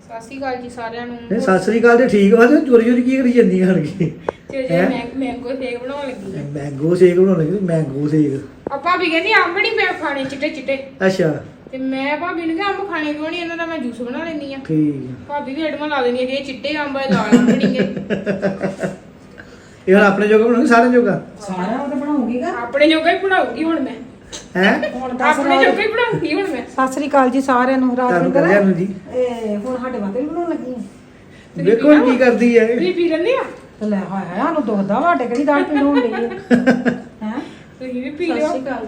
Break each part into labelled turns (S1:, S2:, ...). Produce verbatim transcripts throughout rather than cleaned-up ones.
S1: ਸਤਿ ਸ਼੍ਰੀ ਅਕਾਲ ਜੀ ਸਾਰਿਆਂ ਨੂੰ।
S2: ਨਹੀਂ ਸਤਿ ਸ੍ਰੀ ਅਕਾਲ ਤੇ ਠੀਕ ਵਾ ਤੇ ਚੋਰੀ ਚੋਰੀ ਕੀ ਕਰੀ ਜਾਂਦੀ ਹਣ ਕੇ
S1: ਤੇ ਜੇ ਮੈਂ ਮੈਂਗੋ ਸ਼ੇਕ ਬਣਾਉਣ ਲੱਗੀ ਆ।
S2: ਮੈਂਗੋ ਸ਼ੇਕ ਬਣਾਉਣ ਲੱਗੀ ਮੈਂਗੋ ਸ਼ੇਕ।
S1: ਆ ਭਾਬੀ ਕਹਿੰਦੀ ਅੰਬ ਨਹੀਂ ਮੈਂ ਖਾਣੇ ਚਿੱਟੇ ਚਿੱਟੇ।
S2: ਅੱਛਾ
S1: ਤੇ ਮੈਂ ਭਾਬੀ ਨੂੰ ਕਿਹਾ ਅੰਬ ਖਾਣੇ ਕਿਉਂ ਨਹੀਂ, ਇਹਨਾਂ ਦਾ ਮੈਂ ਜੂਸ ਬਣਾ ਲੈਣੀ ਆ।
S2: ਠੀਕ
S1: ਭਾਬੀ ਵੀ ਐਡਮਾਂ ਲਾ ਦੇਣੀ ਆ ਕਿ ਇਹ ਚਿੱਟੇ ਅੰਬ ਆ ਲਾਲ ਅੰਬ ਨਹੀਂ ਗਏ।
S2: ਇਹ ਹੁਣ ਆਪਣੇ ਜੋਗਾ ਬਣਾਉਣੀ ਸਾਰੇ ਜੋਗਾ
S3: ਸਾਰਾ ਉਹ ਤਾਂ ਬਣਾਉਂਗੀ ਗਾ।
S1: ਆਪਣੇ ਜੋਗਾ ਹੀ ਬਣਾਉਗੀ ਹੁਣ ਮੈਂ।
S2: ਹੈ
S3: ਹੁਣ ਦੱਸ
S1: ਆਪਣੇ ਜੋਗਾ ਹੀ ਬਣਾਉਗੀ ਹੁਣ ਮੈਂ।
S3: ਸਤਿ ਸ੍ਰੀ ਅਕਾਲ ਜੀ ਸਾਰਿਆਂ ਨੂੰ। ਰਾਤ
S2: ਤੁਹਾਨੂੰ
S3: ਨੂੰ
S2: ਕਰਿਆ ਨੂੰ ਜੀ
S3: ਇਹ ਹੁਣ ਸਾਡੇ ਵਾਸਤੇ ਵੀ ਬਣਾਉਣ ਲੱਗੀ ਆ।
S2: ਵੇਖੋ ਹੁਣ ਕੀ ਕਰਦੀ ਹੈ
S1: ਤੁਸੀਂ ਪੀ ਲੈਂਦੇ ਆ?
S3: ਤੇ ਲੈ ਹਾਏ ਹਾਏ ਸਾਨੂੰ ਦੁਖਦਾ ਵਾ ਸਾਡੇ ਕਿਹੜੀ ਦਾਲ ਪੀਣ ਹੋਣ ਡਈ ਹੈ ਹੈ
S1: ਤੁਸੀਂ ਵੀ ਪੀ ਲਿਓ।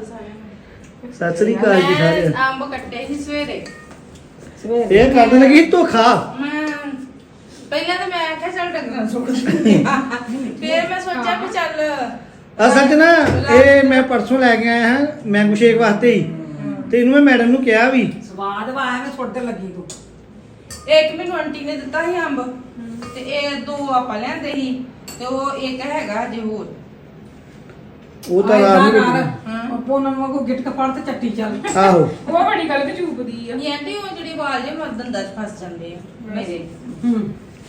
S2: ਸਤਿ ਸ੍ਰੀ ਅਕਾਲ ਜੀ ਸਾਰੇ
S4: ਅੰਬ ਕੱਟੇ ਸੀ ਸਵੇਰੇ।
S3: ਸਵੇਰੇ
S2: ਇਹ ਕਰਨ ਲੱਗੀ ਧੋਖਾ।
S4: ਮੈਂ ਪਹਿਲਾਂ ਤਾਂ ਮੈਂ ਆਖਿਆ ਚੱਲ ਡੰਗਰਾਂ ਸੁੱਕ ਦਿੰਦੀ ਆ। ਫਿਰ ਮੈਂ ਸੋਚਿਆ ਵੀ ਚੱਲ
S2: ਅਸਲ 'ਚ ਨਾ ਇਹ ਮੈਂ ਪਰਸੋਂ ਲੈ ਕੇ ਆਇਆ ਹਾਂ ਮੈਂਗੋ ਸ਼ੇਕ ਵਾਸਤੇ ਹੀ ਤੇ ਇਹਨੂੰ ਮੈਂ ਮੈਡਮ ਨੂੰ ਕਿਹਾ ਵੀ
S3: ਸਵਾਦ ਵਾ ਐਵੇਂ ਸੁੱਟ ਲੱਗੀ ਤੂੰ।
S4: ਇੱਕ ਮੈਨੂੰ ਆਂਟੀ ਨੇ ਦਿੱਤਾ ਸੀ ਅੰਬ ਤੇ ਇਹ ਦੋ ਆਪਾਂ ਲਿਆਂਦੇ ਸੀ ਤੇ ਉਹ ਇੱਕ ਹੈਗਾ ਜੇ ਹੋਰ।
S2: ਉਹ ਤਾਂ ਰਾਤ ਨੂੰ ਵੇਖਣਾ।
S4: ਹਾਂ
S3: ਪੋਨਮ ਵਾਂਗੂ ਗਿਟਕ ਫੜ ਤੇ ਚੱਟੀ ਚੱਲ।
S2: ਆਹੋ
S1: ਉਹ ਬੜੀ ਗੱਲ ਤੇ ਚੂਪਦੀ ਆ।
S4: ਇਹ ਆਂਟੀ ਉਹ ਜਿਹੜੀ ਵਾਲ ਜੇ ਮਰਦੰਦਾਂ 'ਚ ਫਸ ਜਾਂਦੇ ਆ ਮੇਰੇ
S3: ਹੂੰ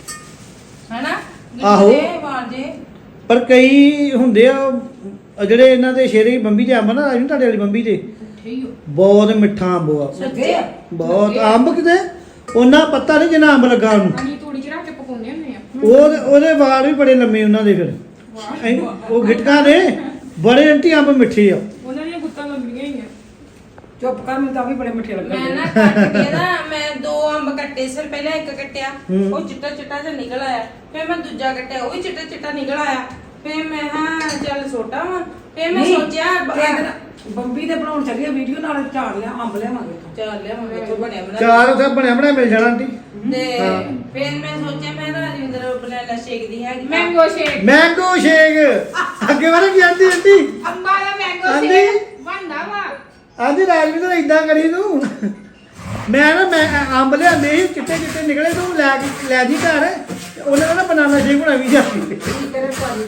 S4: ਹਨਾ
S2: ਆਹੋ।
S4: ਜਿਹੜੇ ਵਾਲ ਜੇ
S2: ਪਰ ਕਈ ਹੁੰਦੇ ਆ ਉਹ ਜਿਹੜੇ ਇਹਨਾਂ ਦੇ ਸ਼ੇਰੇ ਬੰਬੀ ਦੇ ਅੰਬ ਨਾ ਰਾਜੂ ਤੁਹਾਡੇ ਵਾਲੀ ਬੰਬੀ ਦੇ
S4: ਠੀਕ
S2: ਬਹੁਤ ਮਿੱਠਾ ਅੰਬ ਆ
S3: ਲੱਗੇ ਆ
S2: ਬਹੁਤ ਅੰਬ ਕਿਤੇ ਉਹਨਾਂ ਪੱਤਾ ਨਹੀਂ ਜਿੰਨਾ ਅੰਬ ਲੱਗਾ ਉਹਨੂੰ
S1: ਅਸੀਂ ਤੂੜੀ ਚ ਰੱਖ ਕੇ ਪਕਾਉਂਦੇ ਹੁੰਦੇ ਆ।
S2: ਉਹ ਉਹਦੇ ਵਾਲ ਵੀ ਬੜੇ ਲੰਮੇ ਉਹਨਾਂ ਦੇ ਫਿਰ ਐਂ ਉਹ ਗਿਟਕਾਂ ਦੇ ਬੜੇ ਅੰਟੀ ਅੰਬ ਮਿੱਠੇ ਆ
S1: ਉਹਨਾਂ ਦੀਆਂ ਗੁੱਤਾਂ ਲੰਬੀਆਂ ਹੀ ਆ।
S3: ਚੁੱਪ ਕਰ ਮੈਨੂੰ ਤਾਂ ਵੀ ਬੜੇ ਮਿੱਠੇ ਲੱਗਣ
S4: ਮੈਂ
S3: ਡਏ।
S4: ਨਾ ਕੱਟ ਕੇ ਨਾ ਮੈਂ ਦੋ ਅੰਬ ਕੱਟੇ ਸੀ ਪਹਿਲਾਂ ਇੱਕ ਕੱਟਿਆ
S2: ਹੂੰ।
S4: ਉਹ ਚਿੱਟਾ ਚਿੱਟਾ ਜਿਹਾ ਨਿਕਲ ਆਇਆ, ਫਿਰ ਮੈਂ ਦੂਜਾ ਕੱਟਿਆ ਉਹ ਵੀ ਚਿੱਟਾ ਚਿੱਟਾ ਨਿਕਲ ਆਇਆ, ਫਿਰ ਮੈਂ ਹਾਂ ਚੱਲ ਛੋਟਾ ਵਾ, ਫਿਰ ਮੈਂ
S3: ਨਹੀਂ,
S4: ਸੋਚਿਆ ਬ-
S3: ਇਹਦੇ ਨਾਲ ਬੰਬੀ ਦੇ ਬਣਾਉਣ ਚੱਲੀ ਵੀਡੀਓ ਨਾਲ ਝਾੜ ਲਿਆ ਅੰਬ ਲਿਆਵਾਂਗੇ
S4: ਚੱਲ ਲਿਆ ਮੈਂ ਕਿੱਥੋਂ ਬਣਿਆ ਬਣਾ
S2: ਚਾਰ ਉੱਥੇ ਬਣਿਆ ਬਣਿਆ ਮਿਲ ਜਾਣਾ ਆਂਟੀ
S4: ਤੇ
S2: ਹਾਂ।
S4: ਫਿਰ ਮੈਂ ਸੋਚਿਆ ਮੈਂ ਰਾਜਿੰਦਰ ਬਨਾਨਾ ਸ਼ੇਕ ਦੀ ਹੈਗੀ
S1: ਮੈਂਗੋ ਸ਼ੇਕ।
S2: ਮੈਂਗੋ ਸ਼ੇਕ ਅੱਗੇ ਵਾਲਾ ਕੀ ਆਂਟੀ ਆਂਟੀ
S1: ਅੰਬਾਂ ਦਾ ਮੈਂਗੋ
S2: ਹਾਂਜੀ।
S1: ਸ਼ੇਕ ਬਣਦਾ ਵਾ।
S2: ਆਂਟੀ ਰਾਜਵਿੰਦਰ ਇਦਾਂ ਕਰੀ ਤੂੰ ਮੈਂ ਨਾ ਮੈਂ ਅੰਬ ਲਿਆਂਦੇ ਸੀ ਚਿੱਟੇ ਚਿੱਟੇ ਨਿਕਲੇ ਤੂੰ ਲੈ ਕੇ ਲੈ ਜੀ ਘਰ ਤੇ ਉਹਨਾਂ ਕਹਿੰਦਾ ਬਨਾਨਾ ਸ਼ੇਕ ਬਣਾ ਵੀ ਜਾ
S3: ਤੇਰੇ ਭਾਜੀ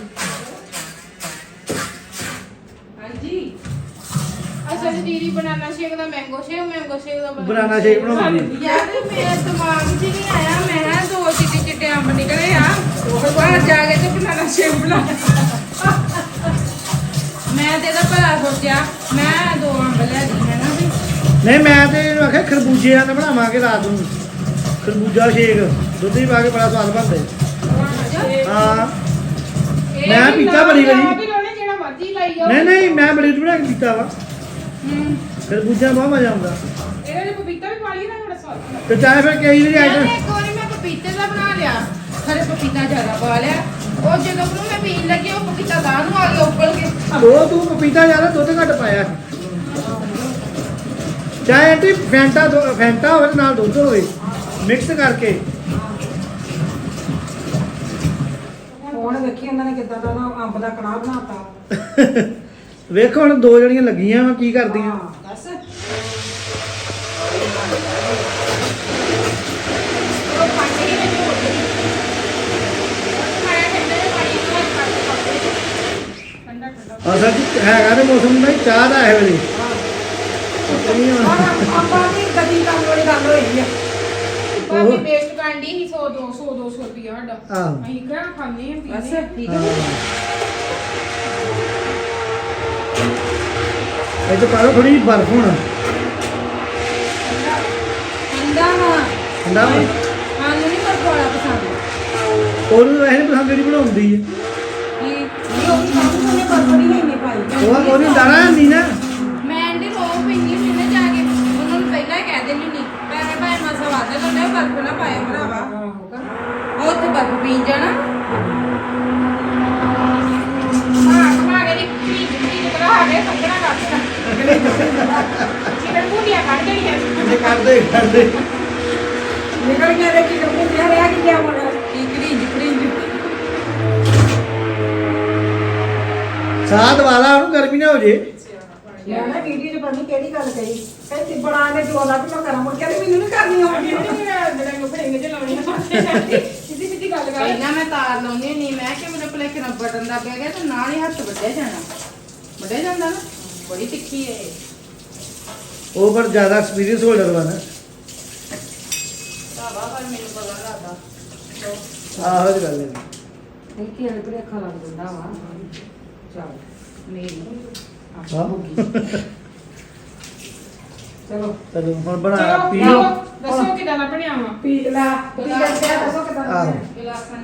S4: ਹਾਂਜੀ
S1: ਅਸਲ ਚ ਦੀਦੀ ਬਨਾਨਾ ਸ਼ੇਕ ਦਾ ਮੈਂਗੋ ਸ਼ੇਕ, ਮੈਂਗੋ ਸ਼ੇਕ ਦਾ
S2: ਬਨਾਨਾ ਸ਼ੇਕ ਬਣਾਉਂਦੀ
S4: ਯਾਰ ਮੇਰੇ ਦਿਮਾਗ 'ਚ ਨਹੀਂ ਆਇਆ, ਮੈਂ ਕਿਹਾ ਦੋ ਚਿੱਟੇ ਚਿੱਟੇ ਅੰਬ ਨਿਕਲੇ ਆ ਉਹ ਬਾਹਰ ਜਾ ਕੇ ਤੇ ਬਨਾਨਾ ਸ਼ੇਕ ਬਣਾ ਮੈਂ ਤੇ ਇਹਦਾ ਭਲਾ ਸੋਚਿਆ ਮੈਂ ਦੋ ਅੰਬ ਲੈ ਦੀ ਹੈ ਨਾ ਵੀ
S2: ਨਹੀਂ ਮੈਂ ਤੇ ਇਹਨੂੰ ਆਖਿਆ ਖਰਬੂਜਿਆਂ ਦਾ ਬਣਾਵਾਂਗੇ ਰਾਤ ਨੂੰ ਖਰਬੂਜਾ ਸ਼ੇਕ ਦੁੱਧ ਹੀ ਪਾ ਕੇ ਬੜਾ ਸਵਾਦ ਬਣਦਾ ਹੈ। ਹਾਂ
S1: ਇਹ
S2: ਮੈਂ
S1: ਵੀ
S2: ਪੀਤਾ ਬੜੀ ਵਾਰੀ।
S1: ਲਾ ਵੀ ਲਾਉਣੇ ਜਿਹੜਾ ਮਰਜ਼ੀ ਲਾਈ ਜਾਓ।
S2: ਨਹੀਂ ਨਹੀਂ ਮੈਂ ਬੜੀ ਬਣਾ ਕੇ ਪੀਤਾ ਵਾ
S4: ਹੂੰ
S2: ਖਰਬੂਜਾ ਬਹੁਤ ਮਜ਼ਾ ਆਉਂਦਾ
S1: ਇਹਦੇ ਵਿੱਚ ਪਪੀਤਾ ਵੀ ਪਾ ਲਈ ਨਾ ਬੜਾ ਸਵਾਦ ਬਣਦਾ।
S2: ਤੇ ਚਾਹੇ ਫਿਰ ਕਈ ਵਾਰੀ
S4: ਯਾਰ
S2: ਆਈਟਮ
S4: ਇੱਕ ਵਾਰੀ ਮੈਂ ਪਪੀਤੇ ਦਾ ਬਣਾ ਲਿਆ, ਖਰੇ ਪਪੀਤਾ ਜ਼ਿਆਦਾ ਪਾ ਲਿਆ, ਉਹ ਜਦੋਂ ਨੂੰ ਮੈਂ ਪੀਣ ਲੱਗੀ ਉਹ ਪਪੀਤਾ ਬਾਹਰ ਨੂੰ ਆ ਗਿਆ ਉੱਬਲ ਕੇ।
S2: ਉਹ ਤੂੰ ਪਪੀਤਾ ਜ਼ਿਆਦਾ ਦੁੱਧ ਘੱਟ ਪਾਇਆ ਚਾਹੇ ਆਂਟੀ ਫੈਂਟਾ ਦੁ- ਫੈਂਟਾ ਹੋਵੇ ਤੇ ਨਾਲ ਦੁੱਧ ਹੋਵੇ ਮਿਕਸ ਕਰਕੇ
S3: ਹੁਣ ਵੇਖੀ ਉਹਨਾਂ ਨੇ ਕਿੱਦਾਂ ਦਾ ਨਾ ਅੰਬ ਦਾ ਕੜਾਹ ਬਣਾਤਾ।
S2: ਵੇਖੋ ਹੁਣ ਦੋ ਜਣੀਆਂ ਲੱਗੀਆਂ ਵਾ ਕੀ ਕਰਦੀਆਂ
S3: ਹਾਂ ਦੱਸ
S1: ਉਹ ਪਾਣੀ ਦੇ ਵਿੱਚ ਹੋ ਗਈ। ਖਾਇਆ ਠੰਡੇ ਦੇ ਪਾਣੀ ਨਾਲ ਕੱਟ ਕੇ ਪਾਉਂਦੇ। ਠੰਡਾ ਠੰਡਾ।
S2: ਅਸਲ ਚ ਹੈਗਾ ਤੇ ਮੌਸਮ ਦਾ ਹੀ ਚਾਹ ਦਾ ਇਹ ਵੇਲੇ ਨਹੀਂ
S3: ਆਹ
S2: ਹੁਣ
S3: ਅੰਬਾਂ ਦੀ ਕਦੀ ਕੰਮ ਵਾਲੀ ਗੱਲ ਹੋਈ ਆ।
S1: ਭਾਬੀ ਵੇਸਟ ਕਰਦੀ ਸੀ ਸੌ ਦੋ ਸੌ ਦੋ ਸੌ ਰੁਪਇਆ ਸਾਡਾ।
S2: ਆਹੋ।
S1: ਅਸੀਂ ਕਿਹੜਾ ਖਾਂਦੇ ਆ
S3: ਬਸ
S1: ਪੀਂਦੇ ਆ।
S3: ਠੀਕ ਹੈ
S2: ਇਹ ਤਾਂ ਪਾਲੋ ਥੋੜੀ ਬਰਫ ਹੁਣ
S4: ਠੰਡਾ ਵਾ
S2: ਠੰਡਾ ਵਾ
S4: ਸਾਨੂੰ ਨਹੀਂ ਪਰ ਕੋਲਾ ਪਸੰਦ
S2: ਉਹਨੂੰ ਵੈਸੇ ਨੀ ਪਸੰਦ ਜਿਹੜੀ ਬਣਾਉਂਦੀ ਹੈ
S4: ਕੀ
S3: ਇਹ ਉਹ ਕੰਮ ਨੇ ਬਰਬਰੀ ਨਹੀਂ ਨਹੀਂ ਪਾਈ।
S2: ਉਹ ਉਹਨੂੰ ਦਾਣਾ ਨਹੀਂ ਨਾ
S4: ਮੈਂ ਆਂਟੀ ਰੋ ਪੈਂਦੀ ਹੁੰਦੀ ਨਾ ਜਾ ਕੇ ਉਹਨਾਂ ਨੂੰ ਪਹਿਲਾਂ ਹੀ ਕਹਿ ਦਿੰਦੀ ਹੁੰਦੀ ਪੈਸੇ ਭਾਵੇਂ ਮਾਸਾ ਵਾਦਾ ਲੈਣੇ ਬਰਫ ਨਾ ਪਾਏ ਭਰਾਵਾ ਉਹ ਉੱਥੇ ਬਰਫ ਪੀਣ ਜਾਣਾ
S1: ਹਾਂ ਕਮਾ ਕੇ ਦੀ ਪੀਂਦੀ ਪੀਂਦੀ ਕਰਾ ਕੇ ਸੰਗਣਾ ਕਰਦਾ। ਚਿਕਨ ਬੁੜੀਆਂ ਕੱਢ ਦੇਣੀਆਂ।
S2: ਇਹ ਕਰਦੇ ਕਰਦੇ
S3: ਨਿਕਲ ਗਿਆ ਰੇ ਕੀ ਕੰਮ ਤੇ ਰਿਹਾ ਕਿ ਗਿਆ ਮੋੜਾ।
S4: ਕੀ ਕਰੀਂਜ ਕਰੀਂਜ
S2: ਸਾਹ ਦਵਾਲਾ ਉਹਨੂੰ ਗਰਮੀ ਨਾ ਹੋ ਜੇ
S3: ਮੈਂ ਨਾ ਵੀਡੀਓ 'ਚ ਪਤਾ ਨੀ ਕਿਹੜੀ ਗੱਲ ਕਹੀ ਕਹਿੰਦੀ ਬੜਾ ਨੇ ਜੋ ਲੱਗ ਮੈਂ ਕਰਾਂ ਮੁੜ ਕੇ ਕਹਿੰਦੀ ਮੈਨੂੰ ਨਹੀਂ ਕਰਨੀ ਆਉਂਦੀ।
S1: ਸਿੱਧੀ ਸਿੱਧੀ ਗੱਲ ਕਰ।
S4: ਪਹਿਲਾਂ ਮੈਂ ਤਾਰ ਲਾਉਂਦੀ ਨਹੀਂ ਮੈਂ ਕਿ ਮੇਰੇ ਭਲੇਖੇ ਨਾਲ ਬਟਨ ਦਾ ਪਿਆ ਗਿਆ ਤੇ ਨਾਲ ਹੀ ਹੱਥ ਵੱਢਿਆ ਜਾਣਾ ਵੱਢਿਆ ਜਾਂਦਾ ਨਾ ਬੜੀ ਤਿੱਖੀ ਹੈ ਇਹ।
S2: ਉਹ ਪਰ ਜ਼ਿਆਦਾ ਐਕਸਪੀਰੀਅੰਸ ਹੋਲਡਰ ਵਾ ਨਾ
S4: ਭਰਾਵਾ ਪਰ ਮੈਨੂੰ ਪਤਾ ਲੱਗਦਾ
S2: ਆਹੋ ਇਹ ਗੱਲ ਹੈ
S3: ਨਹੀਂ ਕਿ ਇਹ ਭਰੇਖਾ ਲੱਗ ਜਾਂਦਾ ਵਾ ਚੱਲ
S4: ਮੇਰੀ
S2: ਹਾਂ
S3: ਚਲੋ
S2: ਚਲੋ ਹੁਣ ਬਣਾ
S1: ਚਲੋ
S2: ਪੀ
S1: ਪੀਓ
S2: ਲਓ
S1: ਦੱਸੋ ਕਿਦਾਂ ਦਾ ਬਣਿਆ ਵਾ
S3: ਪੀ ਲਾ ਪੀ ਕਰਦੇ ਆ ਦੱਸੋ ਕਿਦਾਂ
S2: ਆਹੋ
S4: ਗਿਲਾਸਾਂ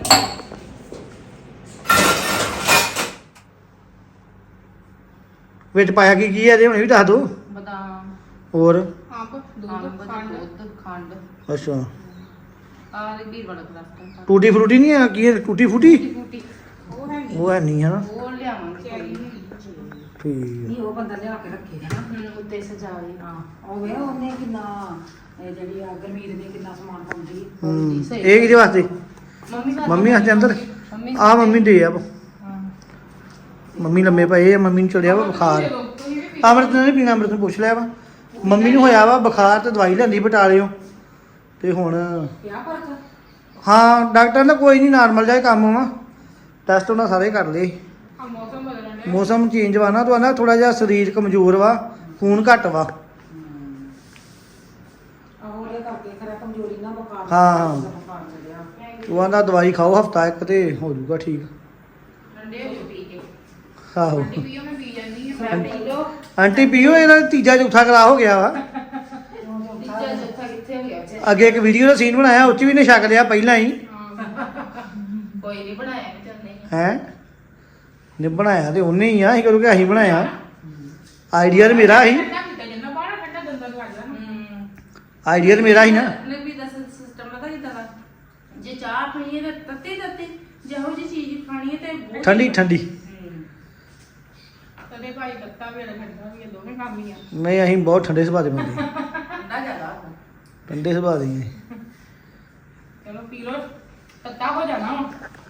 S2: ਵਿੱਚ ਪਾਇਆ ਕੀ ਕੀ ਹੈ ਜੇ ਹੁਣ ਵੀ ਦੱਸ ਦੋ
S4: ਬਦਾਮ
S2: ਹੋਰ
S1: ਅੰਬ ਦੁੱਧ
S4: ਖੰਡ
S1: ਖੰਡ
S4: ਦੁੱਧ ਖੰਡ
S2: ਅੱਛਾ
S4: ਆ ਦੇ ਵੀ ਬੜਾ ਕਰਾਫਟ
S2: ਟੂਟੀ ਫਰੂਟੀ ਨਹੀਂ ਹੈ ਕੀ ਹੈ ਟੂਟੀ ਫੂਟੀ
S4: ਫੂਟੀ
S1: ਉਹ ਹੈ ਨਹੀਂ
S2: ਉਹ ਹੈ ਨਹੀਂ ਹੈ ਨਾ
S4: ਉਹ ਲਿਆਵਾਂਗੇ
S1: ਚੈਰੀ
S2: ਠੀਕ
S3: ਨਹੀਂ ਉਹ ਬੰਦਾ ਲਿਆ ਕੇ ਰੱਖੇ ਨਾ
S4: ਹੁਣ ਉੱਤੇ ਸਜਾਵੇ
S3: ਹਾਂ ਉਹ ਵੇ ਉਹਨੇ ਕਿੰਨਾ ਇਹ ਜਿਹੜੀ ਆ ਗਰਮੀਤ ਨੇ ਕਿੰਨਾ ਸਮਾਨ ਪਾਉਂਦੀ ਹੈ
S2: ਹੂੰ
S4: ਸਹੀ।
S2: ਇਹ ਕਿਹਦੇ ਵਾਸਤੇ
S4: ਮੰਮੀ ਵਾਸਤੇ
S2: ਮੰਮੀ ਵਾਸਤੇ ਅੰਦਰ
S4: ਮੰਮੀ
S2: ਆ ਮੰਮੀ ਦੇ ਆ
S4: ਹਾਂ
S2: ਮੰਮੀ ਲੰਮੇ ਪਏ ਆ ਮੰਮੀ ਨੂੰ ਚੜਿਆ ਵਾ ਬੁਖਾਰ
S1: ਤੁਸੀਂ ਵੀ
S2: ਅੰਮ੍ਰਿਤ ਨੇ ਨੀ ਪੀਣਾ ਅੰਮ੍ਰਿਤ ਨੂੰ ਪੁੱਛ ਲਿਆ ਵਾ ਮੰਮੀ ਨੂੰ ਹੋਇਆ ਵਾ ਬੁਖਾਰ ਤੇ ਦਵਾਈ ਲੈਂਦੀ ਬਟਾਲਿਓ ਤੇ ਹੁਣ
S3: ਕਿਆ ਫਰਕ ਆ?
S2: ਹਾਂ ਡਾਕਟਰ ਨੇ ਕੋਈ ਨਹੀਂ ਨਾਰਮਲ ਜਿਹਾ ਹੀ ਕੰਮ ਵਾ ਟੈਸਟ ਉਹਨਾਂ ਸਾਰੇ ਕਰ ਲਏ
S1: ਆ ਮੌਸਮ ਬਦਲਣ ਡਿਆ
S2: ਮੌਸਮ ਚੇਂਜ ਵਾ ਨਾ ਤਾਂ ਨਾ ਥੋੜਾ ਜਿਹਾ ਸਰੀਰ ਕਮਜ਼ੋਰ ਵਾ ਖੂਨ ਘੱਟ ਵਾ
S3: ਆਹੋ ਇਹ ਕਰਕੇ ਖਰਾ ਕਮਜ਼ੋਰੀ ਨਾ ਬੁਖਾਰ
S2: ਹਾਂ, ਹਾਂ।
S3: ਬੁਖਾਰ ਚੜਿਆ
S2: ਉਹ ਆਂਦਾ ਦਵਾਈ ਖਾਓ ਹਫਤਾ ਇੱਕ ਤੇ ਹੋ ਜਾਊਗਾ ਠੀਕ
S4: ਠੰਡੇ ਹੋ ਕੇ ਪੀ ਕੇ
S2: ਆਹੋ
S1: ਪਾਣੀ ਪੀਓ ਮੈਂ ਪੀ ਜਾਂਦੀ ਹਾਂ
S4: ਮੈਂ ਪੀ ਲੋ
S2: ਆਂਟੀ ਪੀਓ ਇਹਦਾ ਤੀਜਾ ਚੌਥਾ ਕਰਾ ਹੋ ਗਿਆ ਵਾ
S4: ਤੀਜਾ ਚੌਥਾ ਕਿੱਥੇ ਹੋ ਗਿਆ ਉੱਥੇ
S2: ਅੱਗੇ ਇੱਕ ਵੀਡੀਓ ਦਾ ਸੀਨ ਬਣਾਇਆ ਉਹ 'ਚ ਵੀ ਨੇ ਛਕ ਲਿਆ ਪਹਿਲਾਂ ਹੀ
S4: ਕੋਈ ਨਹੀਂ ਬਣਾਇਆ ਨਹੀਂ ਚੱਲਨੇ
S2: ਹੈ ਨੇ ਬਣਾਇਆ ਤੇ ਉਹਨੇ ਹੀ ਆ ਅਸੀਂ ਕਦੋਂ ਕਿ ਅਸੀਂ ਬਣਾਇਆ ਆਈਡੀਆ ਤੇ ਮੇਰਾ ਸੀ
S1: ਠੰਡਾ ਪੀਤਾ ਜਿੰਨਾ ਬਾਹਰ ਠੰਡਾ ਦੰਦਾਂ ਨੂੰ ਲੱਗਦਾ ਨਾ
S4: ਹੂੰ
S2: ਆਈਡੀਆ ਤੇ ਮੇਰਾ ਸੀ ਨਾ
S4: ਨੇ ਵੀ ਦੱਸ ਸਿਸਟਮ ਪਤਾ ਕਿਦਾਂ ਦਾ ਜੇ ਚਾਹ ਪੀਣੀ ਹੈ ਤਾਂ ਤੱਤੀ ਤੱਤੀ ਜਿਹੋ ਜੀ ਚੀਜ਼ ਖਾਣੀ ਹੈ ਤੇ ਬਹੁਤ
S2: ਠੰਡੀ ਠੰਡੀ
S4: ਹੂੰ।
S1: ਤਦੇ ਭਾਈ ਤੱਤਾ ਵੀ ਅਲੱਗ ਠੰਡਾ ਵੀ ਆ, ਦੋਵੇਂ ਕੰਮ ਹੀ ਆ
S2: ਨਹੀਂ ਅਸੀਂ ਬਹੁਤ ਠੰਡੇ ਸੁਭਾਅ ਦੇ ਬੰਦੇ
S4: ਠੰਡਾ ਜ਼ਿਆਦਾ
S2: ਠੰਡੇ ਸੁਭਾਅ ਦੇ ਹਾਂ।
S1: ਚਲੋ ਪੀ ਲੋ ਤੱਤਾ ਹੋ ਜਾਣਾ ਵਾ